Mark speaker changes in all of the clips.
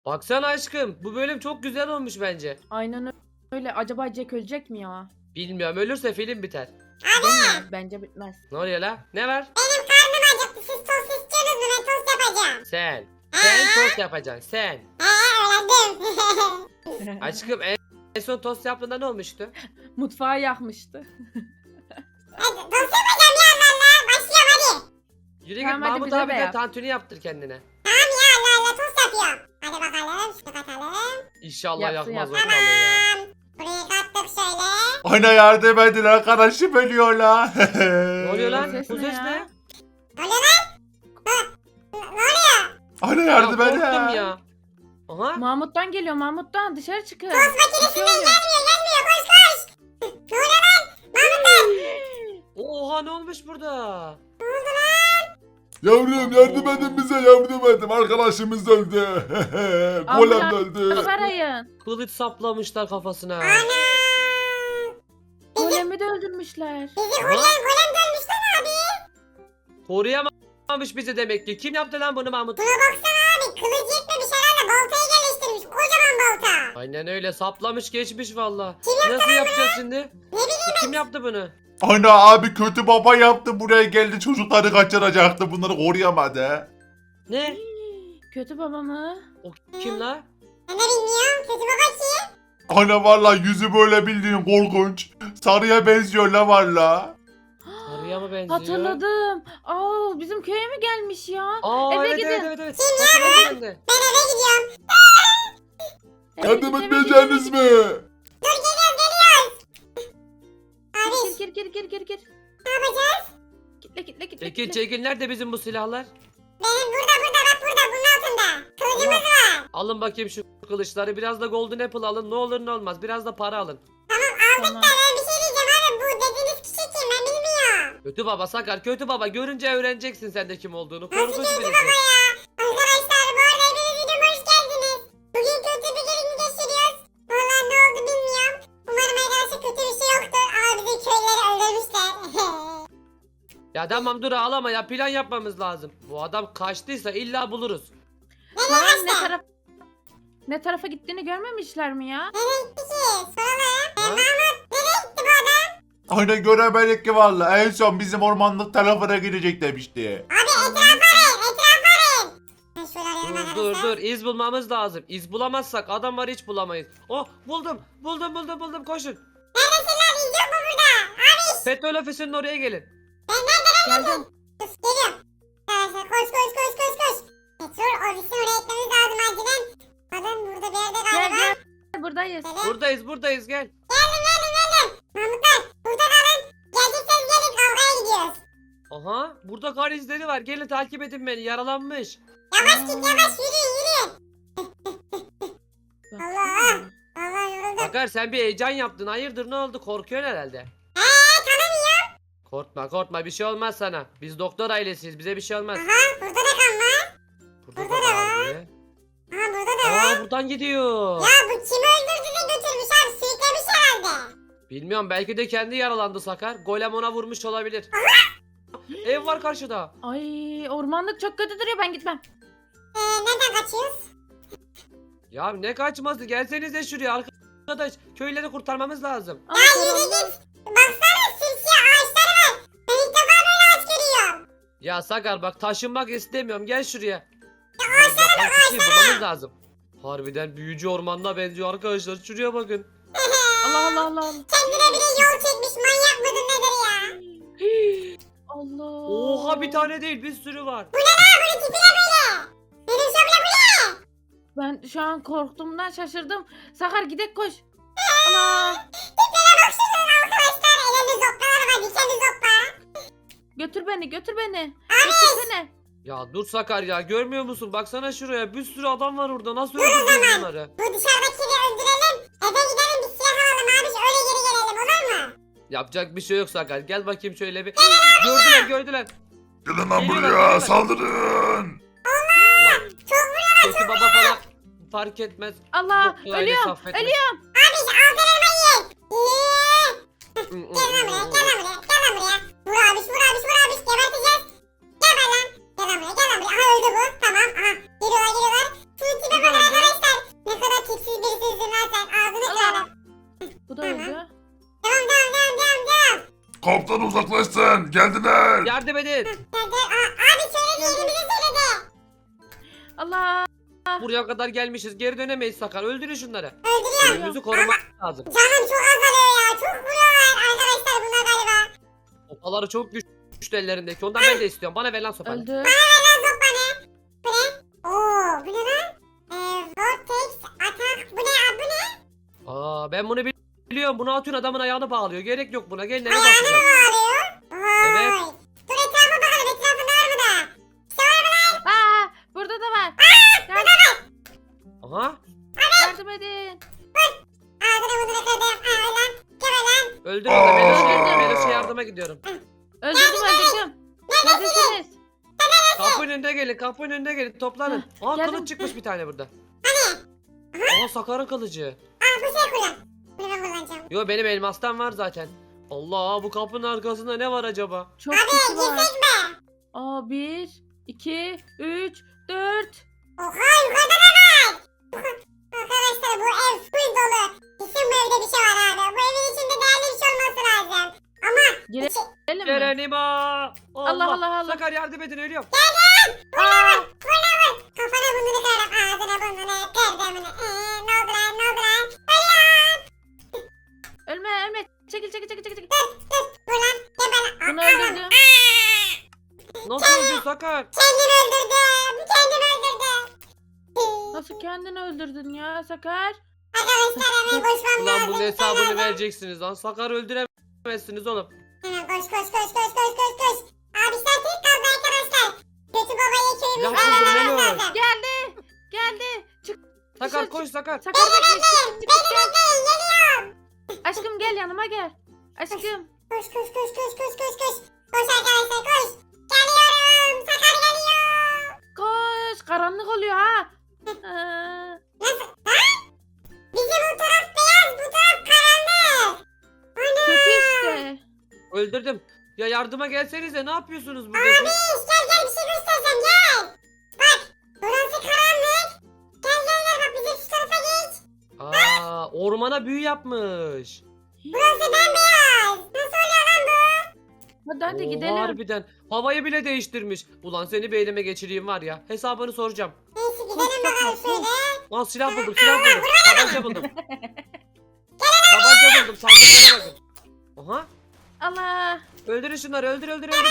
Speaker 1: Baksana aşkım. Bu bölüm çok güzel olmuş bence.
Speaker 2: Aynen öyle. Acaba Jack ölecek mi ya?
Speaker 1: Bilmiyorum, ölürse film biter.
Speaker 2: Değil mi? Bence bitmez.
Speaker 1: Ne oluyor la? Ne var?
Speaker 3: Benim karnım acıktı. Siz tost istiyorsunuz mu? Ben tost yapacağım.
Speaker 1: Sen tost yapacaksın sen.
Speaker 3: Öğrendim.
Speaker 1: Aşkım en son tost yaptığında ne olmuştu?
Speaker 2: Mutfağı yakmıştı.
Speaker 3: Hadi tost yapacağım ya valla. Başlıyorum hadi.
Speaker 1: Yürü git
Speaker 2: Tamam, hadi
Speaker 1: Mahmut
Speaker 2: bize de
Speaker 1: abi de
Speaker 2: yap.
Speaker 1: tantuni yaptır kendine.
Speaker 3: Tamam ya Allah Allah tost yapıyorum. Hadi bakalım şunu katalım.
Speaker 1: İnşallah
Speaker 2: Yapsın,
Speaker 1: yakmaz o
Speaker 2: yapsın.
Speaker 1: kalı ya.
Speaker 3: Tamam. Burayı kattık şöyle.
Speaker 4: Ana yardım edin arkadaşım ölüyor la.
Speaker 1: Ne oluyor lan?
Speaker 2: Ses
Speaker 1: Bu
Speaker 2: ne
Speaker 1: ses
Speaker 2: ya?
Speaker 1: ne?
Speaker 3: Ne oluyor lan? Ne oluyor?
Speaker 4: Ana
Speaker 1: Ya
Speaker 4: yardım edin.
Speaker 1: korktum ya. Aha.
Speaker 2: Mahmut'tan geliyor. Mahmut'tan dışarı çıkın.
Speaker 3: Tost makinesinden gelmiyor koş koş. Ne oluyor lan?
Speaker 1: Oha, ne olmuş burada?
Speaker 4: Yavrum yardım edin bize yardım edin. Arkadaşımız öldü. Golem
Speaker 2: Ambulans
Speaker 4: öldü.
Speaker 2: arayın.
Speaker 1: Kılıç saplamışlar kafasına.
Speaker 3: Ana.
Speaker 2: Golemi de öldürmüşler.
Speaker 3: Bizi
Speaker 1: Aha.
Speaker 3: golem dönmüş lan abi.
Speaker 1: Koruyamamış bizi demek ki. Kim yaptı lan bunu Mahmut?
Speaker 3: Buna baksana abi. Kılıcı yetmemiş herhalde. Baltayı geliştirmiş. Kocaman balta.
Speaker 1: Aynen öyle, saplamış geçmiş valla.
Speaker 3: Kim
Speaker 1: Nasıl yapacağız şimdi?
Speaker 3: Ne bileyim
Speaker 1: Kim yaptı bunu?
Speaker 4: Ana abi kötü baba yaptı buraya geldi çocukları kaçıracaktı bunları koruyamadı.
Speaker 1: Ne?
Speaker 2: Kötü baba mı?
Speaker 1: O kim la?
Speaker 3: ben de bilmiyorum. Kötü baba kim?
Speaker 4: Ana valla yüzü böyle bildiğin korkunç. Sarıya benziyor la valla.
Speaker 1: Sarıya mı benziyor?
Speaker 2: Hatırladım. Aa, bizim köye mi gelmiş ya?
Speaker 1: Aa,
Speaker 2: Eve
Speaker 1: evet,
Speaker 2: gidin.
Speaker 1: evet evet evet.
Speaker 3: Kim
Speaker 1: Hatırladım ben de.
Speaker 3: Ben eve gidiyorum.
Speaker 2: Eve
Speaker 4: Yardım
Speaker 2: git, eve
Speaker 4: etmeyeceğiniz
Speaker 2: git,
Speaker 4: mi?
Speaker 3: Dur geliyoruz. Abi
Speaker 2: Gir.
Speaker 3: ne yapacağız?
Speaker 2: Kitle.
Speaker 1: Çekil çekil, nerede bizim bu silahlar?
Speaker 3: Benim burada bak burada bunun altında. Kılıcımız var.
Speaker 1: Alın bakayım şu kılıçları, biraz da golden apple alın, ne olur ne olmaz, biraz da para alın.
Speaker 2: Tamam.
Speaker 3: Ben bir şey diyeceğim abi. Bu dediğiniz kişi kim? Ben bilmiyorum.
Speaker 1: Kötü baba Sakar, kötü baba, görünce öğreneceksin sen de kim olduğunu.
Speaker 3: Nasıl
Speaker 1: Korkunç
Speaker 3: kötü
Speaker 1: birisi.
Speaker 3: baba ya? Arkadaşlar bu arada hepiniz videoma hoş geldiniz. Bugün kötü bir gün geçiriyoruz. Vallahi ne oldu bilmiyorum. Umarım arkadaşlar kötü bir şey yoktur. Ama bizi köyleri öldürmüşler.
Speaker 1: Ya tamam dur ağlama ya, plan yapmamız lazım. Bu adam kaçtıysa illa buluruz.
Speaker 2: Kaan ne tarafa gittiğini görmemişler mi ya?
Speaker 3: Nereye gitti ki? Soralım.
Speaker 1: Ha?
Speaker 3: Nereye gitti bu adam?
Speaker 4: Ana göremedik ki valla en son bizim ormanlık tarafına gidecek demişti.
Speaker 3: Abi etraf arayın. Ben şöyle arayayım
Speaker 1: Dur
Speaker 3: arkadaşlar.
Speaker 1: iz bulmamız lazım. İz bulamazsak adam var, hiç bulamayız. Oh, buldum koşun.
Speaker 3: Neredesin lan? İz yok mu burada? Abi
Speaker 1: Petrol ofisinin oraya gelin.
Speaker 2: Geldim.
Speaker 3: geliyorum. Arkadaşlar koş. Petrol ofisine oraya gitmemiz lazım acilen. Adam burada bir yerde galiba.
Speaker 2: Gel. Buradayız.
Speaker 1: Buradayız gel.
Speaker 3: Mahmutlar burada kalın. Gelecekseniz gelin kavgaya gidiyoruz.
Speaker 1: Aha, burada kar izleri var, gelin takip edin beni, yaralanmış.
Speaker 3: Yavaş git yavaş yürü. Allah. Allah yoruldum.
Speaker 1: Sakar, sen bir heyecan yaptın, hayırdır, ne oldu, korkuyorsun herhalde.
Speaker 3: Tanımıyorum.
Speaker 1: Korkma, bir şey olmaz sana. Biz doktor ailesiyiz, bize bir şey olmaz.
Speaker 3: Aha burada da kan var.
Speaker 1: Burada
Speaker 3: burada da var.
Speaker 1: abi.
Speaker 3: Aha burada da var.
Speaker 1: Aa, buradan gidiyor.
Speaker 3: Ya bu kimi öldürdü de götürmüş abi sürüklemiş herhalde.
Speaker 1: Bilmiyorum, belki de kendi yaralandı Sakar. Golem ona vurmuş olabilir. Ev var karşıda.
Speaker 2: Ay, ormanlık çok kötü duruyor, ben gitmem.
Speaker 3: Nereden kaçıyoruz?
Speaker 1: Ya ne kaçması, gelsenize şuraya arkadaş. Köyleri kurtarmamız lazım.
Speaker 2: Ay,
Speaker 3: Yürü
Speaker 2: karanlık.
Speaker 3: git. Baksana simsiyah ağaçları var. Ben ilk defa böyle ağaç görüyorum.
Speaker 1: Ya Sakar bak, taşınmak istemiyorum, gel şuraya. Yapan kişiyi bulmamız lazım. Harbiden büyücü ormanına benziyor arkadaşlar, şuraya bakın.
Speaker 2: Allah.
Speaker 3: Kendine bir de yol çekmiş manyak mıdır nedir ya?
Speaker 2: Allah.
Speaker 1: Oha, bir tane değil, bir sürü var.
Speaker 3: Bunun tipi ne böyle? Benim şöyle bu ne?
Speaker 2: Ben şu an korktuğumdan şaşırdım. Sakar gidek koş. Allah.
Speaker 3: Tiplere bak şunun arkadaşlar. Elinde zoppalar var dikenli zoppa.
Speaker 2: Götür beni. Götürsene.
Speaker 1: Ya dur Sakar ya, görmüyor musun? Baksana şuraya, bir sürü adam var orada, nasıl öldüreceğiz bunları?
Speaker 3: Bu dışarıdakini öldürelim. Eve gidelim bir silah alalım abi. Öyle geri gelelim olur mu?
Speaker 1: Yapacak bir şey yok Sakar, gel bakayım şöyle bir. Gördüler.
Speaker 4: Gelin lan
Speaker 1: Geliyorlar,
Speaker 4: buraya
Speaker 1: geliyorlar.
Speaker 4: saldırın.
Speaker 1: Ulan,
Speaker 3: Çok vuruyor.
Speaker 1: kötü baba falan fark etmez.
Speaker 2: Allah.
Speaker 1: Doktor ailesi
Speaker 2: Ölüyorum.
Speaker 1: affetmez.
Speaker 2: Ölüyorum.
Speaker 3: Abi altın elma yiyin.
Speaker 1: Hı, hı,
Speaker 3: Gel lan buraya
Speaker 1: hı,
Speaker 3: gel lan buraya gel lan buraya. Vur abi geberteceğiz. Gel lan buraya. Aha öldü bu. Tamam aha. Geliyorlar. Şu tipe bakın arkadaşlar. Ne kadar tipsiz birisizsin lan sen. Ağzını kırarım.
Speaker 2: Bu da öldü.
Speaker 3: Devam.
Speaker 4: Kaptan uzaklaşsın. Geldiler.
Speaker 1: Yardım edin.
Speaker 3: Abi söyledi yerimizi söyledi.
Speaker 2: Allah.
Speaker 1: Buraya kadar gelmişiz. Geri dönemeyiz Sakar. Öldürün şunları.
Speaker 3: Öldürüyor.
Speaker 1: Önümüzü korumak lazım.
Speaker 3: Canım çok azalıyor ya. Çok vuruyorlar arkadaşlar bunlar galiba.
Speaker 1: Sopaları çok güçlü ellerindeki. Ondan ben de istiyorum. Bana ver lan sopayı.
Speaker 2: Öldü.
Speaker 3: Lan sokma ne? Bu ne? Oo bu ne lan? Vortex atak. Bu ne?
Speaker 1: Ben bunu biliyorum. Bunu atıyorsun adamın ayağını bağlıyor. Gerek yok buna. Gelin eve
Speaker 3: Ayağını mı
Speaker 1: bakacağız.
Speaker 3: bağlıyor?
Speaker 1: Evet.
Speaker 3: Vay. Dur etrafa bakalım. Etrafında var mı da? İşte var mı lan?
Speaker 2: Aa, burada da var.
Speaker 1: Aha.
Speaker 2: Yardım edin.
Speaker 3: Ağzını burnunu kırdım. Lan. Gel lan.
Speaker 1: Öldür onu. Meloş'a yardıma gidiyorum.
Speaker 2: Öldürdüm. Neredesiniz?
Speaker 1: Kapının önünde gelin. Kapının önünde gelin. Toplanın. Aa
Speaker 2: geldim.
Speaker 1: kılıç çıkmış bir tane burada.
Speaker 3: Hani?
Speaker 1: Aa Sakar'ın kılıcı.
Speaker 3: Bu şey kullan. Bunu ben kullanacağım.
Speaker 1: Yo benim elmastan var zaten. Allah bu kapının arkasında ne var acaba?
Speaker 2: Çok
Speaker 3: Abi
Speaker 2: kişi var.
Speaker 3: girsek mi?
Speaker 2: Aa, 1, 2, 3, 4.
Speaker 3: Oha yukarıda da var. Arkadaşlar bu ev full dolu. Kesin bu evde bir şey var abi. Bu evin içinde değerli bir şey olması lazım. Ama
Speaker 2: Girelim mi?
Speaker 1: Gerenima.
Speaker 2: Allah, Allah.
Speaker 1: Sakar yardım edin ölüyorum.
Speaker 2: Aa,
Speaker 3: kafana burnunu kırarım. Ağzına burnunu kırdım. Ne oldu lan?
Speaker 2: ölme. Çekil.
Speaker 3: Dur lan. Geber lan.
Speaker 2: Bunu öldürdüm.
Speaker 1: Nasıl öldün Sakar?
Speaker 3: Kendimi öldürdüm. Kendimi öldürdüm.
Speaker 2: Nasıl kendini öldürdün ya Sakar?
Speaker 3: Arkadaşlar hemen koşmam
Speaker 1: Ulan
Speaker 3: lazım.
Speaker 1: bunun hesabını vereceksiniz lan. Sakar öldüremezsiniz oğlum.
Speaker 3: Hemen koş. Abi sen tek kaldı arkadaşlar. Kötü babayı köyümüzde
Speaker 1: Ya kızım,
Speaker 3: aramamız
Speaker 1: Melo.
Speaker 3: lazım.
Speaker 2: Geldi. Çık.
Speaker 1: Sakar
Speaker 2: Dışarı
Speaker 1: koş Sakar.
Speaker 2: Sakar bekle. Çık.
Speaker 3: Bekleyin geliyorum.
Speaker 2: Aşkım gel yanıma gel. Aşkım.
Speaker 3: Koş. Koş arkadaşlar koş. Geliyorum. Sakar geliyor.
Speaker 2: Koş. Karanlık oluyor ha. Aa,
Speaker 3: Nasıl? Ha? Bizim bu taraf beyaz, bu taraf karanlık. Ana.
Speaker 2: kötü işte.
Speaker 1: Öldürdüm. Ya yardıma gelsenize ne yapıyorsunuz burada?
Speaker 3: Abi gel bir şey göstereceğim gel. Bak burası karanlık. Gel bak bizim şu tarafa geç.
Speaker 1: Aa ormana büyü yapmış.
Speaker 3: Burası bembeyaz. Nasıl oluyor lan bu?
Speaker 2: Hadi
Speaker 1: Oo,
Speaker 2: gidelim.
Speaker 1: Harbiden. Havayı bile değiştirmiş. Ulan seni bir elime geçireyim var ya. Hesabını soracağım.
Speaker 3: Neyse gidelim bakalım şöyle.
Speaker 1: Aa silah buldum. Tabanca buldum. Tabanca buldum. Sandıklara bakın. Aha.
Speaker 2: Allah.
Speaker 1: Öldürün şunları. Öldür.
Speaker 3: Ben niye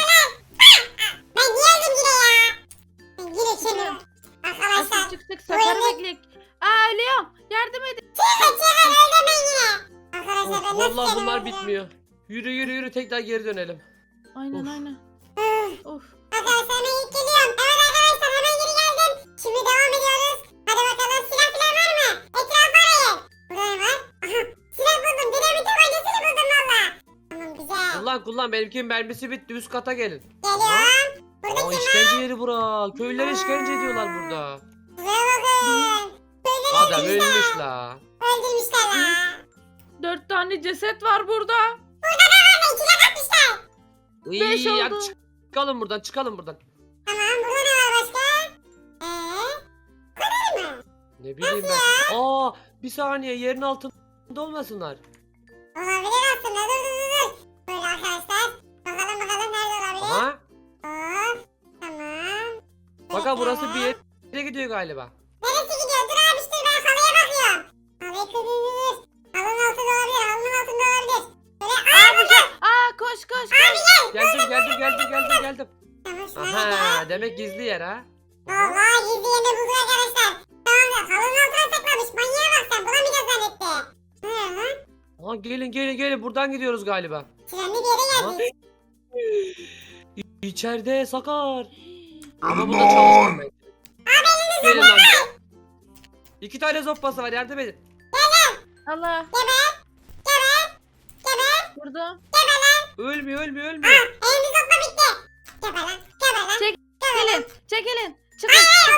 Speaker 3: öldüm yine ya? Ben yine içemiyorum. Arkadaşlar.
Speaker 2: Aşkım çıktık. Sakar'ı bekleyek. Aa, ölüyorum. Yardım edin.
Speaker 3: Çıkın öldüm ben yine. Arkadaşlar ben
Speaker 1: Of,
Speaker 3: nasıl
Speaker 1: vallahi bunlar
Speaker 3: kendimi
Speaker 1: bitmiyor. Yürü tekrar geri dönelim.
Speaker 2: Aynen.
Speaker 3: öldürüyorum?
Speaker 2: Of.
Speaker 3: Arkadaşlar hemen ilk geliyorum. Evet arkadaşlar hemen geri geldim. Şimdi devam ediyoruz. Hadi bakalım silah falan var mı? Etrafı arayın. Burada ne var? Aha silah buldum. Dinamit tabancasını buldum valla. Tamam güzel.
Speaker 1: Kullan. Benimkinin mermisi bitti. Üst kata gelin.
Speaker 3: Geliyorum. Burada
Speaker 1: Aa
Speaker 3: kim var?
Speaker 1: işkence yeri bura. Köylüler işkence ediyorlar burada.
Speaker 3: Buraya bakın. Böyle
Speaker 1: Adam ölmüş la.
Speaker 3: öldürmüşler la.
Speaker 2: 4 tane ceset var burada.
Speaker 3: Hemen içine katmışlar.
Speaker 2: Beş
Speaker 1: İyi,
Speaker 2: oldu.
Speaker 1: çıkalım buradan.
Speaker 3: Tamam burada ne var başka? Bu kadar mı?
Speaker 1: Ne bileyim ben. Aa bir saniye yerin altında olmasınlar.
Speaker 3: Olabilir aslında. Dur. Böyle arkadaşlar. Bakalım nerede olabilir?
Speaker 1: Aha.
Speaker 3: Hop. Tamam.
Speaker 1: Bakın burası
Speaker 3: Bekle.
Speaker 1: bir yere gidiyor galiba.
Speaker 3: Neresi gidiyor? Dur abi işte ben halıya bakıyorum. Halıyı kırılır. Halının altında olabilir. Böyle
Speaker 2: Aa, koş.
Speaker 1: Geldim.
Speaker 3: Tamam şuna
Speaker 1: Aha demek gizli yer ha. Aha.
Speaker 3: Vallahi gizli yerini buldu arkadaşlar. Tamamdır. Halının altına saklamış. Manyağa bak sen. Bulamayacağız zannetti. Ne lan?
Speaker 1: Aha gelin buradan gidiyoruz galiba.
Speaker 3: Trenli bir yere
Speaker 1: Aha.
Speaker 3: geldik.
Speaker 1: İçeride Sakar. Ama
Speaker 4: Ölün
Speaker 1: bu da
Speaker 4: lan.
Speaker 1: çalışmıyor. Gelin lan. 2 tane zoppası var yardım edin.
Speaker 2: Allah.
Speaker 3: Geber.
Speaker 2: Burada.
Speaker 1: Ölmüyor.
Speaker 3: Elimiz okla bitti. Geber lan.
Speaker 2: Çekilin. Çıkın.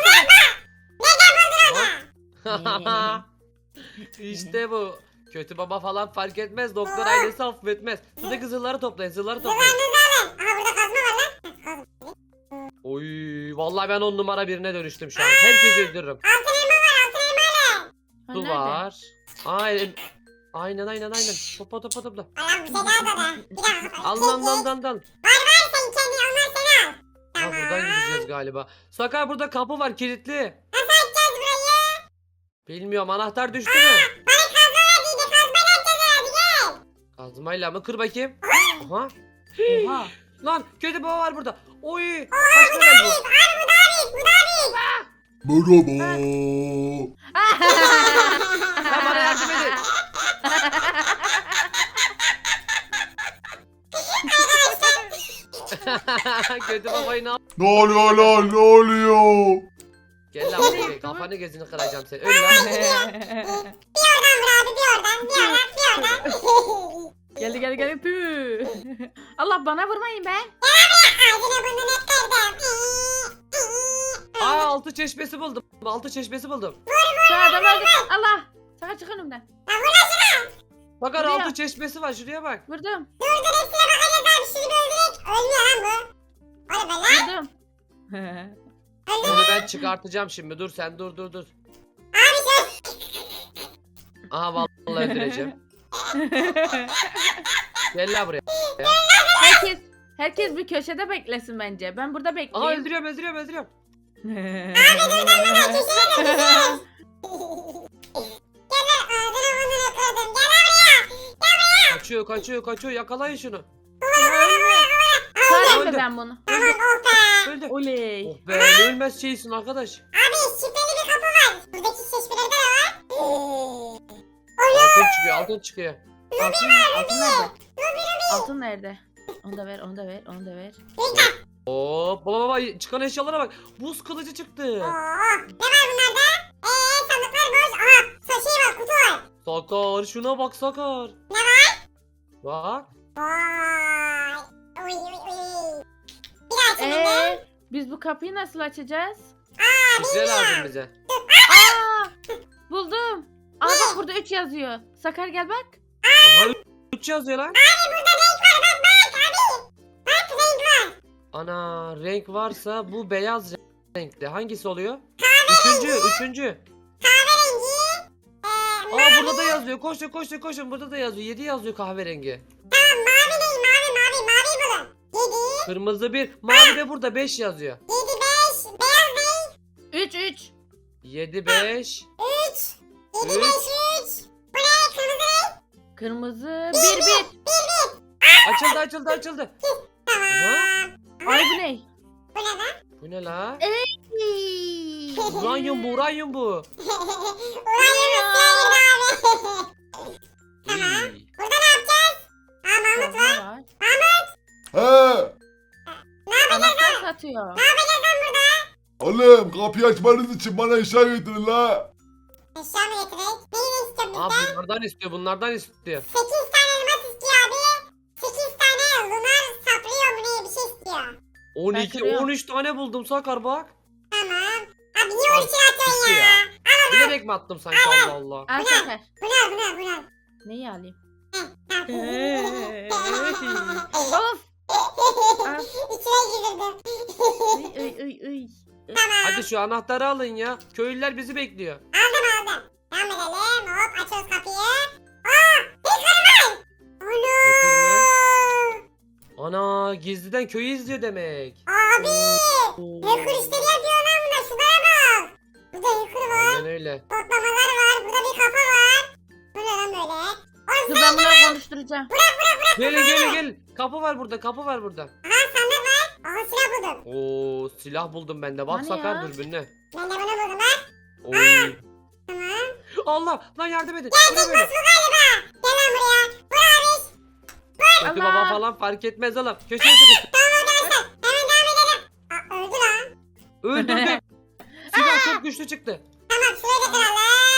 Speaker 1: İşte bu. Kötü baba falan fark etmez. Doktor ailesi affetmez. Siz de zırhları toplayın.
Speaker 3: Zılarınızı alın. Aha burada kazma var lan. Kazma.
Speaker 1: Oy vallahi ben 10 numara birine dönüştüm şu an. Herkesi öldürürüm.
Speaker 3: Altın elma var altın elma.
Speaker 2: Ha,
Speaker 1: Su
Speaker 2: nerede?
Speaker 1: var. Aynen. Topla.
Speaker 3: Allah'ım bir şey daha da. Bir dakika.
Speaker 1: Al.
Speaker 3: Var sen kendi onlar seni al.
Speaker 1: Ha
Speaker 3: Tamam.
Speaker 1: buradan gideceğiz galiba. Sakar burada kapı var kilitli.
Speaker 3: Nasıl açacağız burayı?
Speaker 1: Bilmiyorum anahtar düştü mü?
Speaker 3: Bana kazma verdiydi. Kazmayla açacağız hadi gel.
Speaker 1: Kazmayla mı? Kır bakayım. Aha.
Speaker 2: Oha.
Speaker 1: Lan kötü baba var burada. Oy. Kaç level bu?
Speaker 3: Abi bu daha büyük. Bu daha büyük.
Speaker 4: Merhaba.
Speaker 1: Ya bana yardım edin. Kötü babayı ne yap?
Speaker 4: Ne oluyor lan ne oluyor?
Speaker 1: Gel lan buraya kafanı gözünü kıracağım seni. Öl lan.
Speaker 3: Bir oradan vur abi bir oradan. Bir oradan bir oradan.
Speaker 2: Geldi. Püh. Allah bana vurmayın be.
Speaker 3: Ağzına burnunu ettirdim.
Speaker 1: Aa altı çeşmesi buldum.
Speaker 2: Şu adam öldü. Allah. Sakar çık önümden.
Speaker 1: Bakar
Speaker 2: Buraya.
Speaker 1: altı çeşmesi var şuraya bak.
Speaker 2: Vurdum.
Speaker 3: Dur hepsine bakacağız abi. Şunu bir öldürek. Ölmüyor lan bu. Hadi be lan.
Speaker 2: Vurdum.
Speaker 1: Bunu ben çıkartacağım şimdi. Dur sen dur.
Speaker 3: Abi sen.
Speaker 1: Aha vallahi öldüreceğim. Gel lan buraya.
Speaker 2: Herkes bir köşede beklesin bence. Ben burada
Speaker 1: Aha
Speaker 2: bekleyeyim.
Speaker 1: öldürüyorum.
Speaker 3: Gel lan ağzına burnunu kırdım. Gel lan buraya.
Speaker 1: Kaçıyor. Yakalayın şunu.
Speaker 2: Sarayım mı
Speaker 1: Öldü.
Speaker 2: ben bunu?
Speaker 3: Tamam oh be.
Speaker 1: Öldü.
Speaker 2: Oley.
Speaker 1: Oh be ne ölmez şeysin arkadaş.
Speaker 3: Abi şifreli bir kapı var. Buradaki şişmelerde de var.
Speaker 1: Altın çıkıyor.
Speaker 2: Altın nerede? Altın nerede? Onu da ver.
Speaker 1: Oo baba çıkan eşyalara bak. Buz kılıcı çıktı.
Speaker 3: Oo. Ne var bunlarda? Sandıklar boş. Aha şey var kutu var.
Speaker 1: Sakar şuna bak Sakar.
Speaker 3: Ne var?
Speaker 1: Bak.
Speaker 3: Vay. Uy. Bir daha açayım.
Speaker 2: Biz bu kapıyı nasıl açacağız?
Speaker 1: Şifre lazım bize.
Speaker 2: Aa! Buldum. Aa bak burada 3 yazıyor. Sakar gel bak.
Speaker 1: Aha 3 yazıyor lan.
Speaker 3: Abi burada renk var bak abi. Bak renk var.
Speaker 1: Ana renk varsa bu beyaz renkli. Hangisi oluyor? Üçüncü.
Speaker 3: Kahverengi.
Speaker 1: Aa burada da yazıyor. Koşun. Burada da yazıyor. 7 yazıyor kahverengi.
Speaker 3: Tamam mavi değil mavi bulun. 7.
Speaker 1: Kırmızı 1. Mavi de burada 5 yazıyor.
Speaker 3: 7 5. Beyaz değil.
Speaker 2: 3.
Speaker 1: 7 5.
Speaker 3: 3. 7 5 3. Bu ne? Kırmızı renk.
Speaker 2: Kırmızı 1.
Speaker 1: Açıldı.
Speaker 3: Tamam.
Speaker 1: Aha.
Speaker 2: Ay bu ne?
Speaker 3: Bu ne lan?
Speaker 1: Bu ne la?
Speaker 2: Ey.
Speaker 1: Uranyum bu.
Speaker 3: Uranyum abi.
Speaker 1: İyi.
Speaker 3: Burada ne yapacağız? Mahmut var.
Speaker 2: Kazma var.
Speaker 4: He.
Speaker 2: Anahtar satıyor.
Speaker 4: Oğlum kapıyı açmanız için bana eşya getirin la.
Speaker 3: Eşya mı getirek? Neyi istiyor
Speaker 1: Aa
Speaker 3: bizden?
Speaker 1: bunlardan istiyor.
Speaker 3: 8 tane elmas istiyor abi. 8 tane lunar saplıyor mu ne bir şey istiyor.
Speaker 1: 12
Speaker 2: kırıyorum.
Speaker 1: 13 tane buldum Sakar bak.
Speaker 3: Tamam. Abi niye 12 atıyorsun
Speaker 1: Gitti
Speaker 3: ya?
Speaker 1: ya. Bilerek mi attım sanki Allah Allah.
Speaker 2: Al Sakar.
Speaker 3: Bunu al.
Speaker 2: Neyi alayım?
Speaker 3: Of.
Speaker 2: Of.
Speaker 3: İçine girdirdim.
Speaker 2: Uy.
Speaker 3: Tamam.
Speaker 1: Hadi şu anahtarı alın ya. Köylüler bizi bekliyor.
Speaker 3: Aldım. Devam edelim. Hop açıyoruz kapıyı. Hacker'ım var. Ana.
Speaker 1: Ana gizliden köyü izliyor demek.
Speaker 3: Abi.
Speaker 1: Oo.
Speaker 3: Hacker işleri yapıyor lan bunlar. Şunlara bak. Burada hacker var.
Speaker 1: Aynen öyle.
Speaker 3: Toplamalar var. Burada bir kafa var. Bu ne lan böyle?
Speaker 2: Dur ben bunları konuşturacağım.
Speaker 1: Gelin. Kapı var burada.
Speaker 3: Aha sandık var. Aha silah buldum.
Speaker 1: Oo silah buldum ben de. Bak
Speaker 2: Hani
Speaker 1: Sakar
Speaker 2: ya?
Speaker 1: dürbünle.
Speaker 3: Ben de bunu buldum lan.
Speaker 1: Oy.
Speaker 3: Tamam.
Speaker 1: Allah lan yardım edin.
Speaker 3: Gerçek
Speaker 1: Bırak
Speaker 3: boss
Speaker 1: beni.
Speaker 3: bu galiba. Gel lan buraya. Vur abi.
Speaker 1: Kötü
Speaker 2: Allah.
Speaker 1: baba falan fark etmez oğlum. Köşeye sıkıştı.
Speaker 3: Hemen devam edelim. Öldü lan.
Speaker 1: Öldürdüm. Silah çok güçlü çıktı.
Speaker 3: Tamam şurayı da kıralım.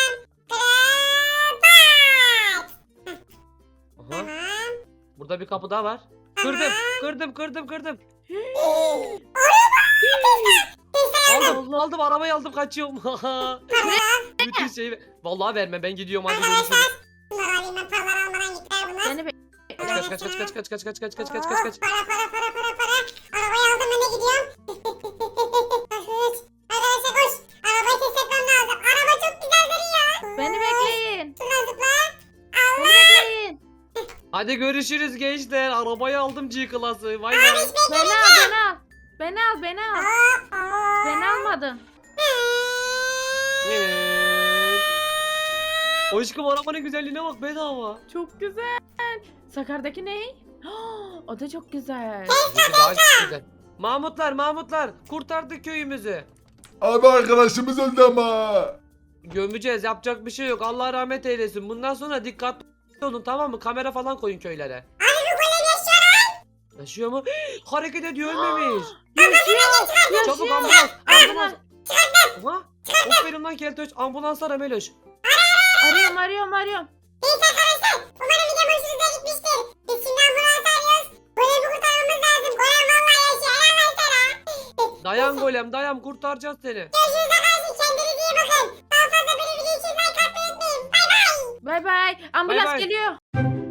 Speaker 1: Aha.
Speaker 3: Tamam.
Speaker 1: Burada bir kapı daha var. Kırdım. Aldım arabayı aldım kaçıyorum. Bütün şeyi vallahi verme ben gidiyorum hadi görüşürüz.
Speaker 3: Bunları alayım ben paralar almadan gittiler bunlar.
Speaker 2: Seni bekle.
Speaker 1: Kaç.
Speaker 3: Para. Arabayı aldım ben de gidiyorum.
Speaker 1: Hadi görüşürüz gençler. Arabayı aldım G-Class'ı. Vay be.
Speaker 2: Beni al. Beni almadın.
Speaker 1: Aşkım arabanın güzelliğine bak bedava.
Speaker 2: Çok güzel. Sakar'daki ne? O da çok güzel.
Speaker 1: Bizimki daha çok güzel. Mahmutlar kurtardık köyümüzü.
Speaker 4: Abi arkadaşımız öldü ama.
Speaker 1: Gömeceğiz, yapacak bir şey yok. Allah rahmet eylesin. Bundan sonra dikkatli olun, tamam mı? Kamera falan koyun köylere.
Speaker 3: Abi bu golem yaşıyor.
Speaker 1: Yaşıyor mu? Hareket ediyor, ölmemiş.
Speaker 2: Yaşıyor.
Speaker 1: Çabuk ambulans. Ambulans. Aha. Aferin lan Keltoş. Ambulans ara Meloş.
Speaker 2: Arıyorum.
Speaker 3: Neyse arkadaşlar. Umarım video hoşunuza gitmiştir. Biz şimdi ambulans arıyoruz. Golemi kurtarmamız lazım. Golem vallahi yaşıyor. Helal lan sana.
Speaker 1: Dayan golem dayan, kurtaracağız seni.
Speaker 3: Görüşürüz arkadaşlar. Kendinize iyi bakın. Daha fazla böyle video için like atmayı unutmayın. Bay bay.
Speaker 2: Bay bay. Ambulans
Speaker 1: bay.
Speaker 2: geliyor.